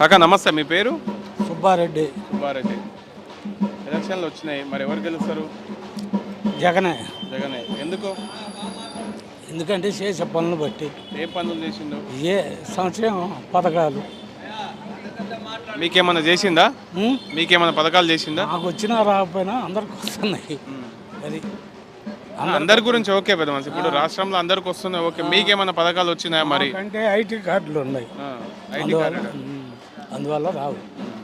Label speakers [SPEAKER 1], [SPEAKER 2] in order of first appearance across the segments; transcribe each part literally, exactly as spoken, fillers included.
[SPEAKER 1] కాకా నమస్తే, మీ పేరు?
[SPEAKER 2] సుబ్బారెడ్డి.
[SPEAKER 1] సుబ్బారెడ్డి. ఎలక్షన్లు వచ్చినాయి, మరి ఎవరు గెలుస్తారు?
[SPEAKER 2] జగనే.
[SPEAKER 1] జగనే. ఎందుకు?
[SPEAKER 2] ఎందుకంటే చేసే పనులు బట్టి.
[SPEAKER 1] ఏ పనులు చేసిండు?
[SPEAKER 2] ఏ సంక్షేమ పథకాలు
[SPEAKER 1] మీకేమన్నా చేసిందా?
[SPEAKER 2] ఉం?
[SPEAKER 1] మీకేమన్నా పథకాలు చేసిందా?
[SPEAKER 2] నాకు వచ్చినా రాకపోయినా అందరికి వస్తున్నాయి. అది
[SPEAKER 1] అందరి గురించి ఓకే పెద్ద మనిషి, ఇప్పుడు రాష్ట్రంలో అందరికి వస్తున్నాయి ఓకే, మీకేమన్నా పథకాలు వచ్చినాయా మరి?
[SPEAKER 2] అంటే ఐటీ కార్డులు ఉన్నాయి,
[SPEAKER 1] ఆ, ఐటీ
[SPEAKER 2] అందువల్ల
[SPEAKER 1] కార్డు.
[SPEAKER 2] ఉం. అందువల్ల రావు.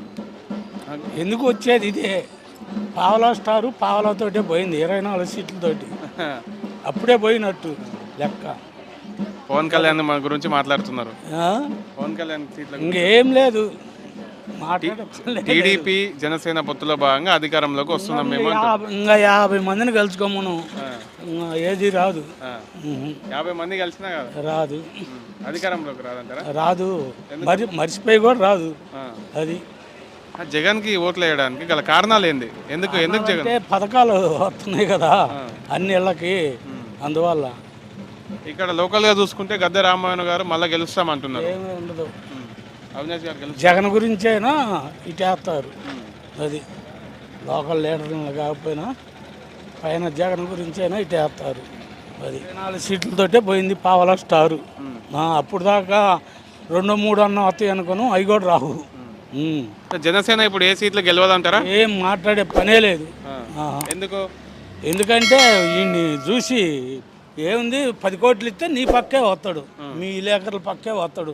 [SPEAKER 2] ఎందుకు వచ్చేది ఇదే పావలా స్టారు పావలాతోటే పోయింది, ఇరవై నాలుగు సీట్లతోటి అప్పుడే పోయినట్టు లెక్క.
[SPEAKER 1] పవన్ కళ్యాణ్ మన గురించి మాట్లాడుతున్నారు.
[SPEAKER 2] ఆ?
[SPEAKER 1] పవన్ కళ్యాణ్ సీట్ల
[SPEAKER 2] ఇంకేం లేదు మాట్లాడే
[SPEAKER 1] టీడీపీ జనసేన పొత్తులో భాగంగా అధికారంలోకి వస్తున్నాం మేము.
[SPEAKER 2] యాభై- ఇంకా యాభై మందిని కలుసుకోమను, ఇంకా ఏది రాదు.
[SPEAKER 1] ఆ,
[SPEAKER 2] ఉహు.
[SPEAKER 1] యాభై మంది కలిసినా కదా
[SPEAKER 2] రాదు,
[SPEAKER 1] అధికారంలోకి రాదంటారా?
[SPEAKER 2] రాదు. మరి మర్చిపోయి కూడా రాదు.
[SPEAKER 1] ఆ.
[SPEAKER 2] అది
[SPEAKER 1] ఆ, జగన్కి ఓట్లు వేయడానికి గల కారణాలు ఏంది? ఎందుకు ఎందుకు జగన్?
[SPEAKER 2] అంటే పథకాలు వస్తున్నాయి కదా అన్ని ఇళ్ళకి, అందువల్ల
[SPEAKER 1] ఇక్కడ లోకల్గా చూసుకుంటే గద్దె రామాయణ గారు మళ్ళీ గెలుస్తామంటున్నారు.
[SPEAKER 2] ఏమీ ఉండదు.
[SPEAKER 1] ఉమ్. అవినాష్ గారు గెలుస్తారు.
[SPEAKER 2] జగన్ గురించైనా ఇటేస్తారు. అది లోకల్ లీడర్లు కాకపోయినా పైన జగన్ గురించైనా ఇటేస్తారు. అది నాలుగు సీట్లతోటే పోయింది పావలా స్టారు. ఆ, అప్పుడు దాకా రెండు మూడు అన్న వస్తాయి అనుకోను, అవి కూడా రావు. ఉమ్.
[SPEAKER 1] జనసేన ఇప్పుడు ఏ సీట్లు గెలవదంటారా?
[SPEAKER 2] ఏం మాట్లాడే పనే లేదు.
[SPEAKER 1] ఆ.
[SPEAKER 2] ఆహా.
[SPEAKER 1] ఎందుకు?
[SPEAKER 2] ఎందుకంటే ఈయన్ని చూసి ఏముంది, పది కోట్లు ఇస్తే నీ పక్కే వస్తాడు, మీ విలేకరుల పక్కే వస్తాడు.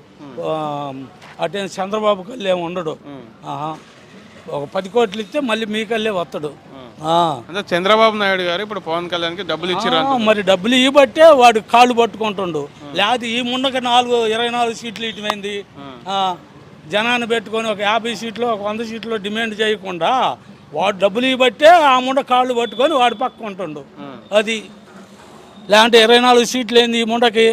[SPEAKER 2] అటే చంద్రబాబు కల్లే ఉండడు. ఆహా. ఒక పది కోట్లు ఇస్తే మళ్ళీ మీ కల్లే వస్తాడు. ఆ.
[SPEAKER 1] అంటే చంద్రబాబు నాయుడు గారు ఇప్పుడు పవన్ కళ్యాణ్కి డబ్బులు ఇచ్చారు.
[SPEAKER 2] ఆ, మరి డబ్బులు ఇవ్వబట్టే వాడు కాళ్ళు పట్టుకుంటుండు. లేకపోతే ఈ ముండకి నాలుగు ఇరవై నాలుగు సీట్లు ఇటుమైంది. జనాన్ని పెట్టుకొని ఒక యాభై సీట్లు ఒక వంద సీట్లు డిమాండ్ చేయకుండా వాడు డబ్బులు ఇవ్వబట్టే ఆ ముండ కాళ్ళు పట్టుకొని వాడు పక్క ఉంటుండు. అది లేదంటే ఇరవై నాలుగు సీట్లు ఏంది ఈ ముండకి?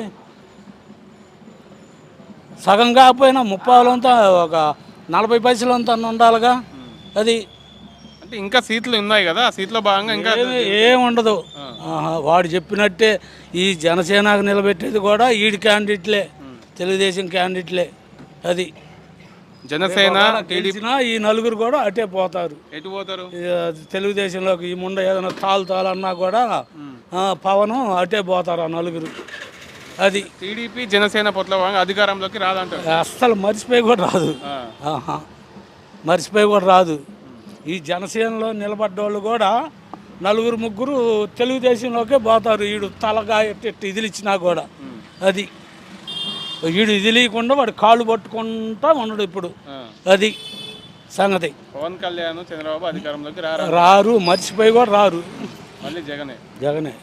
[SPEAKER 2] సగం కాకపోయినా ముప్పావులంతా ఒక నలభై పైసలంతా ఉండాలిగా. అది
[SPEAKER 1] అంటే ఇంకా సీట్లు ఉన్నాయి కదా, ఆ సీట్లో భాగంగా ఇంకా
[SPEAKER 2] ఏముండదు. వాడు చెప్పినట్టే ఈ జనసేనకు నిలబెట్టేది కూడా ఈడి క్యాండిడేట్లే, తెలుగుదేశం క్యాండిడేట్లే. అది
[SPEAKER 1] జనసేన
[SPEAKER 2] గెలిచినా ఈ నలుగురు కూడా అటే పోతారు.
[SPEAKER 1] ఎటు పోతారు?
[SPEAKER 2] తెలుగుదేశంలోకి ఈ ముండ ఏదైనా తాలు తాలన్నా కూడా పవన్ అటే పోతారు ఆ నలుగురు. అది
[SPEAKER 1] టీడీపీ జనసేన పొత్తులో భాగంగా అధికారంలోకి రాదంటారు.
[SPEAKER 2] అస్సలు మర్చిపోయి కూడా రాదు. ఆహా. మర్చిపోయి కూడా రాదు. ఈ జనసేనలో నిలబడ్డోళ్ళు కూడా నలుగురు ముగ్గురు తెలుగుదేశంలోకే పోతారు. వీడు తలగా ఎట్టి ఇదిలిచ్చినా కూడా. అది వీడు ఇదిలీయకుండా వాడు కాళ్ళు పట్టుకుంటా ఉండడు ఇప్పుడు. అది సంగతి.
[SPEAKER 1] పవన్ కళ్యాణ్ చంద్రబాబు అధికారంలోకి రారు.
[SPEAKER 2] రారు, మర్చిపోయి కూడా రారు.
[SPEAKER 1] మళ్ళీ జగనే.
[SPEAKER 2] జగనే.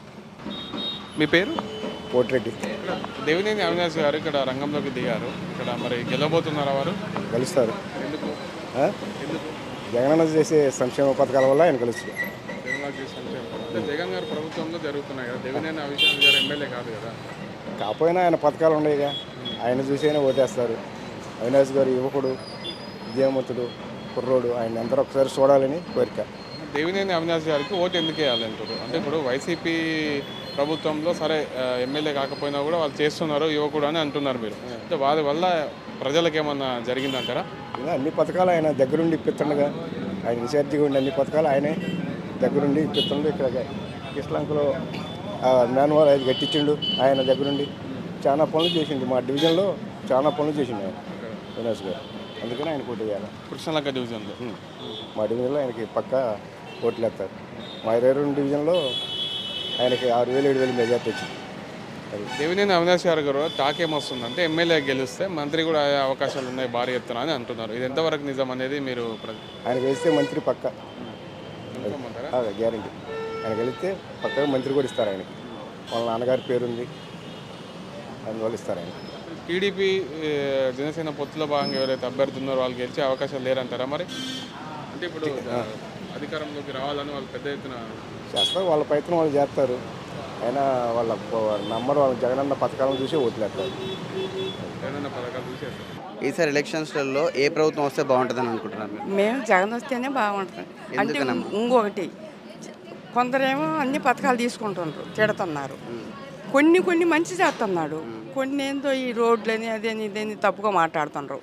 [SPEAKER 1] మీ పేరు?
[SPEAKER 3] కోటిరెడ్డి.
[SPEAKER 1] దేవినేని అవినాష్ గారు ఇక్కడ రంగంలోకి దిగారు. ఇక్కడ మరి గెలవబోతున్నారా వారు?
[SPEAKER 3] గెలుస్తారు.
[SPEAKER 1] ఎందుకు? ఎందుకు?
[SPEAKER 3] జగన్ చేసే సంక్షేమ పథకాల వల్ల ఆయన గెలుస్తారు.
[SPEAKER 1] జగన్ చేసే సంక్షేమ పథకాలు జగన్ గారు ప్రభుత్వంలో జరుగుతున్నాయి కదా, దేవినేని అవినాష్ గారు ఎమ్మెల్యే కాదు కదా.
[SPEAKER 3] కాకపోయినా ఆయన పథకాలు ఉన్నాయిగా, ఆయన చూసి అయినా ఓటేస్తారు. అవినాష్ గారు యువకుడు, విద్యావంతుడు, కుర్రోడు, ఆయన అందరూ ఒకసారి చూడాలని కోరిక.
[SPEAKER 1] దేవినేని అవినాష్ గారికి ఓటు ఎందుకు వేయాలంటారు? అంటే ఇప్పుడు వైసీపీ ప్రభుత్వంలో సరే ఎమ్మెల్యే కాకపోయినా కూడా వాళ్ళు చేస్తున్నారు యువకుడు అని అంటున్నారు మీరు. అంటే వారి వల్ల ప్రజలకు ఏమన్నా జరిగిందంటారా?
[SPEAKER 3] ఇలా అన్ని పథకాలు ఆయన దగ్గరుండి ఇప్పిస్తుండగా, ఆయన ఇన్ఛార్జిగా ఉండి అన్ని పథకాలు ఆయనే దగ్గరుండి ఇప్పిస్తుండే. ఇక్కడ కిష్లంకలో మ్యాన్వాల్ అది కట్టించిండు ఆయన దగ్గరుండి. చాలా పనులు చేసిండు, మా డివిజన్లో చాలా పనులు చేసిండు ఆయన అవినాష్ గారు. అందుకని ఆయన పోటీ చేయాలి.
[SPEAKER 1] కృష్ణలంక డివిజన్లో
[SPEAKER 3] మా డివిజన్లో ఆయనకి పక్కా ఓట్లు వేస్తారు. మా ఇరవై రెండు డివిజన్లో ఆయనకి ఆరు వేలు ఏడు వేలు మెజార్టీ వచ్చింది. అది
[SPEAKER 1] దేవినేని అవినాష్ గారు గారు టాక్ ఏమొస్తుందంటే ఎమ్మెల్యే గెలిస్తే మంత్రి కూడా అయ్యే అవకాశాలు ఉన్నాయి భారీ ఎత్తున అని అంటున్నారు. ఇది ఎంతవరకు నిజం అనేది మీరు?
[SPEAKER 3] ఆయన గెలిస్తే మంత్రి పక్క గ్యారంటీ. ఆయన గెలిస్తే పక్కగా మంత్రి కూడా ఇస్తారు ఆయనకి. వాళ్ళ నాన్నగారి పేరుంది, అందువల్ల ఇస్తారు ఆయన.
[SPEAKER 1] టీడీపీ జనసేన పొత్తులో భాగంగా ఎవరైతే అభ్యర్థి ఉన్నారో వాళ్ళు గెలిచే అవకాశాలు లేరంటారా మరి? అంటే ఇప్పుడు అధికారంలోకి రావాలని వాళ్ళు పెద్ద ఎత్తున
[SPEAKER 3] చేస్తారు, వాళ్ళ ప్రయత్నం వాళ్ళు చేస్తారు. అయినా వాళ్ళ నమ్మరు, వాళ్ళ జగనన్న పథకాలను చూసి ఓట్లేస్తారు.
[SPEAKER 1] జగనన్న పథకాలు చూసి
[SPEAKER 4] ఈసారి ఎలక్షన్స్లలో ఏ ప్రభుత్వం వస్తే బాగుంటుందని అనుకుంటున్నారు?
[SPEAKER 5] మేము జగన్ వస్తేనే బాగుంటుంది. అంటే ఇంకొకటి, కొందరేమో అన్ని పథకాలు తీసుకుంటున్నారు, తిడుతున్నారు. కొన్ని కొన్ని మంచి చేస్తున్నాడు, కొన్ని ఏందో ఈ రోడ్లని అదేని ఇదేని తప్పుగా మాట్లాడుతున్నారు.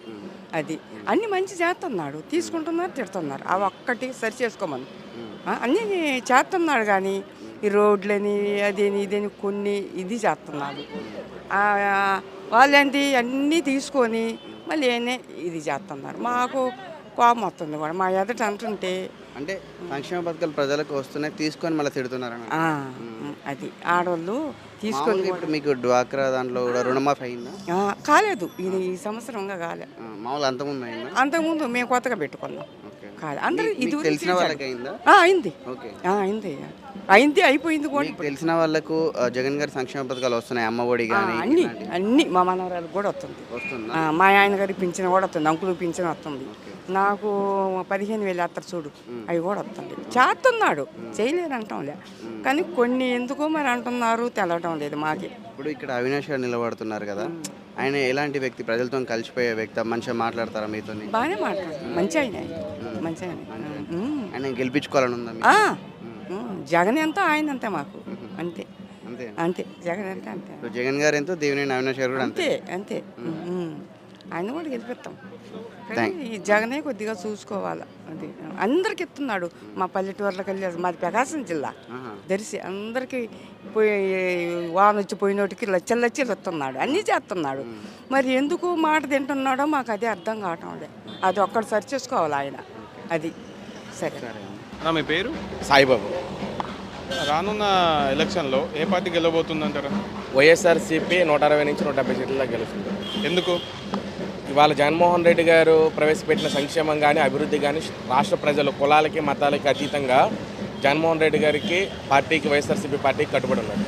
[SPEAKER 5] అది అన్ని మంచి చేస్తున్నాడు, తీసుకుంటున్నారు, తిడుతున్నారు. అవి ఒక్కటి సరి చేసుకోమని ఆ, అన్నీ చేస్తున్నాడు. కానీ ఈ రోడ్లని అదేని ఇదేని కొన్ని ఇది చేస్తున్నాడు. ఆ, వాళ్ళేంటి అన్నీ తీసుకొని మళ్ళీ ఏనే ఇది చేస్తున్నారు. మాకు కోపం వస్తుంది కూడా మా ఎదుట అంటుంటే.
[SPEAKER 4] అంటే సంక్షేమ పథకాలు ప్రజలకు వస్తున్నాయి, తీసుకొని మళ్ళీ తిడుతున్నారని.
[SPEAKER 5] ఆ, అది ఆడవాళ్ళు తీసుకొని
[SPEAKER 4] మామూలుగా ఇప్పుడు మీకు డ్వాక్రా దాంట్లో కూడా రుణమాఫీ అయిందా?
[SPEAKER 5] ఆ, కాలేదు. ఇది ఈ సంవత్సరంగా కాలే.
[SPEAKER 4] ఆ, మామూలు అంతకుముందు అయిందా?
[SPEAKER 5] అంతకుముందు మేము కొత్తగా పెట్టుకున్నాం.
[SPEAKER 4] ఓకే.
[SPEAKER 5] కాదు అందరూ
[SPEAKER 4] మీకు
[SPEAKER 5] ఇది
[SPEAKER 4] తెలిసిన వాళ్ళకి అయిందా?
[SPEAKER 5] అయింది.
[SPEAKER 4] ఓకే.
[SPEAKER 5] ఆ, అయింది అయింది అయిపోయింది కూడా.
[SPEAKER 4] మీకు తెలిసిన వాళ్ళకు ఆ, జగన్ గారి సంక్షేమ పథకాలు వస్తున్నాయి, అమ్మ ఒడి
[SPEAKER 5] ఆ,
[SPEAKER 4] కానీ
[SPEAKER 5] అన్ని అన్ని మా మనవరాలకు కూడా వస్తుంది.
[SPEAKER 4] వస్తుందా?
[SPEAKER 5] ఆ, మా ఆయన గారికి పింఛన్ కూడా వస్తుంది, అంకులు పింఛన్ వస్తుంది. నాకు పదిహేను వేలు వేస్తారు చూడు, అవి కూడా వస్తుంది. చేస్తున్నాడు, చేయలేరు అంటాంలే. కానీ కొన్ని ఎందుకో మరి అంటున్నారు, తెలవటం లేదు మాకి.
[SPEAKER 4] ఇప్పుడు ఇక్కడ అవినాష్ గారు నిలబడుతున్నారు కదా, ఆయన ఎలాంటి వ్యక్తి? ప్రజలతో కలిసిపోయే వ్యక్తి, మంచిగా మాట్లాడతారా మీతో?
[SPEAKER 5] బాగానే మాట్లాడు, మంచి ఆయన మంచి ఆయన. ఉమ్.
[SPEAKER 4] ఆయన గెలిపించుకోవాలని ఉందా మీకు?
[SPEAKER 5] ఆ, ఉమ్, జగన్ ఎంత ఆయన అంతే మాకు, అంతే
[SPEAKER 4] అంతే.
[SPEAKER 5] అంతే జగన్ అంటే అంతే
[SPEAKER 4] ఇప్పుడు జగన్ గారు ఎంతో, దేవినేని అవినాష్ గారు కూడా అంతే.
[SPEAKER 5] అంతే అంతే ఉమ్. ఆయన కూడా గెలిపిస్తాం. కానీ ఈ జగనే కొద్దిగా చూసుకోవాలి. అది అందరికి ఇస్తున్నాడు. మా పల్లెటూరులోకి వెళ్ళి మాది ప్రకాశం జిల్లా
[SPEAKER 4] ఆహా.
[SPEAKER 5] దర్శి అందరికి పోయి వాన వచ్చి పోయినోటికి లచ్చలు లచ్చలు ఇస్తున్నాడు, అన్నీ చేస్తున్నాడు. మరి ఎందుకు మాట తింటున్నాడో మాకు అదే అర్థం కావటం లేదు. అది ఒక్కటి సరి చేసుకోవాలి ఆయన. అది సరే.
[SPEAKER 1] నా మీ పేరు
[SPEAKER 6] సాయిబాబు.
[SPEAKER 1] రానున్న ఎలక్షన్లో ఏ పార్టీ గెలవబోతుందంటారా?
[SPEAKER 6] వైఎస్ఆర్సీపీ నూట అరవై నుంచి నూట డెబ్బై సీట్లలో గెలుస్తుంది.
[SPEAKER 1] ఎందుకు?
[SPEAKER 6] ఇవాళ జగన్మోహన్ రెడ్డి గారు ప్రవేశపెట్టిన సంక్షేమం కానీ అభివృద్ధి కానీ రాష్ట్ర ప్రజలు కులాలకి మతాలకి అతీతంగా జగన్మోహన్ రెడ్డి గారికి పార్టీకి వైఎస్ఆర్సీపీ పార్టీకి కట్టుబడి ఉన్నారు,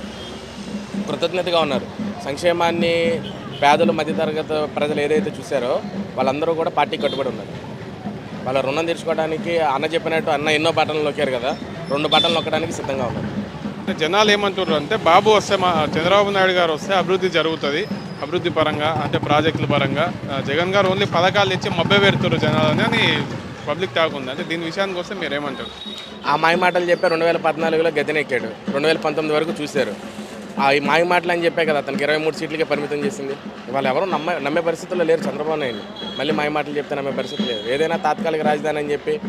[SPEAKER 6] కృతజ్ఞతగా ఉన్నారు. సంక్షేమాన్ని పేదలు మధ్యతరగతి ప్రజలు ఏదైతే చూశారో వాళ్ళందరూ కూడా పార్టీకి కట్టుబడి ఉన్నారు. వాళ్ళ రుణం తీర్చుకోవడానికి అన్న చెప్పినట్టు అన్న ఎన్నో బటన్లు నొక్కారు కదా, రెండు బటన్లు నొక్కడానికి సిద్ధంగా ఉన్నారు.
[SPEAKER 1] అంటే జనాలు ఏమంటారు అంటే బాబు వస్తే మా చంద్రబాబు నాయుడు గారు వస్తే అభివృద్ధి జరుగుతుంది, అభివృద్ధి పరంగా అంటే ప్రాజెక్టుల పరంగా. ఆ, జగన్ గారు ఓన్లీ పథకాలు ఇచ్చి మభ్య పెడుతున్నారు జనాలని అని పబ్లిక్ టాక్ ఉంది. అంటే దీని విషయానికి వస్తే మీరు ఏమంటారు?
[SPEAKER 6] ఆ మాయ మాటలు చెప్పి రెండు వేల పద్నాలుగులో గద్దెనెక్కాడు, రెండు వేల పంతొమ్మిది వరకు చూశారు. ఆ ఈ మాయ మాటలు అని చెప్పే కదా అతనికి ఇరవై మూడు సీట్లకే పరిమితం చేసింది. ఇవాళ ఎవరు నమ్మే నమ్మే పరిస్థితుల్లో లేరు చంద్రబాబు నాయుడు. మళ్ళీ మాయ మాటలు చెప్తే నమ్మే పరిస్థితి లేదు. ఏదైనా తాత్కాలిక రాజధాని అని చెప్పి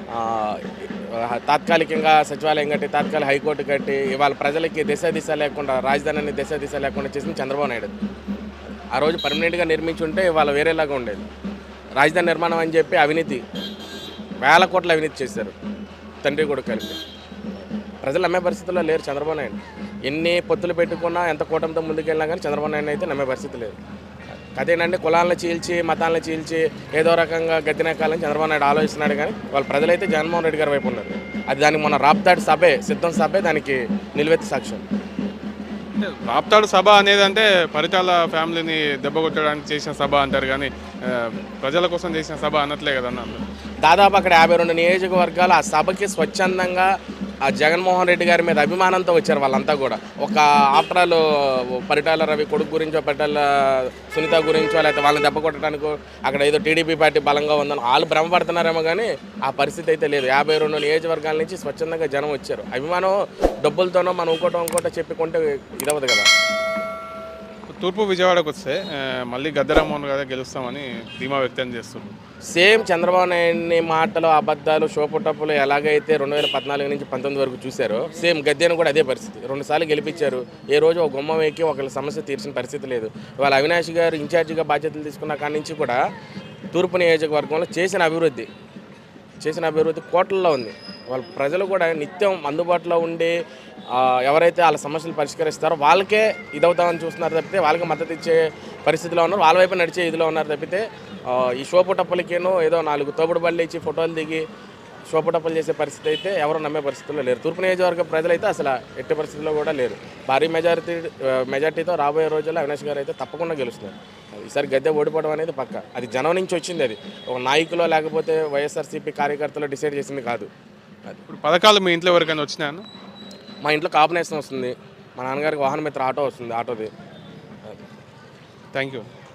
[SPEAKER 6] తాత్కాలికంగా సచివాలయం కట్టి తాత్కాలిక హైకోర్టు కట్టి ఇవాళ ప్రజలకి దిశ దిశ లేకుండా రాజధానిని దిశ దిశ లేకుండా చేసింది చంద్రబాబు నాయుడు. ఆ రోజు పర్మనెంట్గా నిర్మించి ఉంటే ఇవాళ వేరేలాగా ఉండేది. రాజధాని నిర్మాణం అని చెప్పి అవినీతి, వేల కోట్ల అవినీతి చేశారు తండ్రి కొడుకు కలిపి. ప్రజలు నమ్మే పరిస్థితుల్లో లేరు చంద్రబాబు నాయుడు. ఎన్ని పొత్తులు పెట్టుకున్నా ఎంత కూటమితో ముందుకెళ్ళినా కానీ చంద్రబాబు నాయుడు అయితే నమ్మే పరిస్థితి లేదు. అదేనండి కులాలను చీల్చి మతాలను చీల్చి ఏదో రకంగా గద్దెనెక్కాలని చంద్రబాబు నాయుడు ఆలోచిస్తున్నాడు. కానీ వాళ్ళ ప్రజలైతే జగన్మోహన్ రెడ్డి గారి వైపు ఉన్నారు. అది దానికి మొన్న రాప్తాడు సభే సిద్ధం సభే దానికి నిలువెత్తి సాక్ష్యం.
[SPEAKER 1] అంటే రాప్తాడు సభ అనేది అంటే పరిటాల ఫ్యామిలీని దెబ్బ కొట్టడానికి చేసిన సభ అంటారు, కానీ ఆ, ప్రజల కోసం చేసిన సభ అనట్లే కదన్న.
[SPEAKER 6] దాదాపు అక్కడ యాభై రెండు నియోజకవర్గాలు ఆ సభకి స్వచ్ఛందంగా ఆ జగన్మోహన్ రెడ్డి గారి మీద అభిమానంతో వచ్చారు వాళ్ళంతా కూడా. ఒక ఆఫ్టర్ ఆల్ పరిటాల రవి కొడుకు గురించో పరిటాల సునీత గురించో లేకపోతే వాళ్ళని దెబ్బ కొట్టడానికో అక్కడ ఏదో టీడీపీ పార్టీ బలంగా ఉందని వాళ్ళు భ్రమపడుతున్నారేమో కానీ ఆ పరిస్థితి అయితే లేదు. యాభై రెండు నియోజకవర్గాల నుంచి స్వచ్ఛందంగా జనం వచ్చారు. అభిమానం డబ్బులతోనో మనం ఇంకోటో ఇంకోటో చెప్పుకుంటే ఇదవదు కదా.
[SPEAKER 1] తూర్పు విజయవాడకు వస్తే ఆ, మళ్ళీ గద్దెరామ్మోహన్ గారే గెలుస్తామని ధీమా వ్యక్తం చేస్తున్నారు.
[SPEAKER 6] సేమ్ చంద్రబాబు నాయుడిని మాటలు అబద్ధాలు షోపుటప్పులు ఎలాగైతే రెండు వేల పద్నాలుగు నుంచి పంతొమ్మిది వరకు చూశారో సేమ్ గద్దెను కూడా అదే పరిస్థితి. రెండుసార్లు గెలిపించారు, ఏ రోజు ఒక గుమ్మం ఎక్కి ఒకళ్ళ సమస్య తీర్చిన పరిస్థితి లేదు. ఇవాళ అవినాష్ గారు ఇన్ఛార్జిగా బాధ్యతలు తీసుకున్న కాడి నుంచి కూడా తూర్పు నియోజకవర్గంలో చేసిన అభివృద్ధి చేసిన అభివృద్ధి కోట్లలో ఉంది. వాళ్ళ ప్రజలు కూడా నిత్యం అందుబాటులో ఉండి ఎవరైతే వాళ్ళ సమస్యలు పరిష్కరిస్తారో వాళ్ళకే ఇదవుతామని చూస్తున్నారు తప్పితే వాళ్ళకి మద్దతు ఇచ్చే పరిస్థితిలో ఉన్నారు, వాళ్ళ వైపు నడిచే ఇదిలో ఉన్నారు తప్పితే ఈ షోపుటప్పలకేనో ఏదో నాలుగు తోపుడు బళ్ళు ఇచ్చి ఫోటోలు దిగి షోపుటప్పలు చేసే పరిస్థితి అయితే ఎవరు నమ్మే పరిస్థితుల్లో లేరు. తూర్పు నియోజకవర్గ ప్రజలైతే అసలు ఎట్టి పరిస్థితుల్లో కూడా లేరు. భారీ మెజారిటీ మెజార్టీతో రాబోయే రోజుల్లో అవినాష్ గారు అయితే తప్పకుండా గెలుస్తున్నారు. ఈసారి గద్దె ఓడిపోవడం అనేది పక్క. అది జనం నుంచి వచ్చింది, అది ఒక నాయకులో లేకపోతే వైఎస్ఆర్సీపీ కార్యకర్తలో డిసైడ్ చేసింది కాదు.
[SPEAKER 1] ఇప్పుడు పథకాలు మీ ఇంట్లో ఎవరికైనా వచ్చినాయను?
[SPEAKER 6] మా ఇంట్లో కాంబినేషన్ వస్తుంది, మా నాన్నగారికి వాహన మిత్ర ఆటో వస్తుంది, ఆటోది.
[SPEAKER 1] Thank you.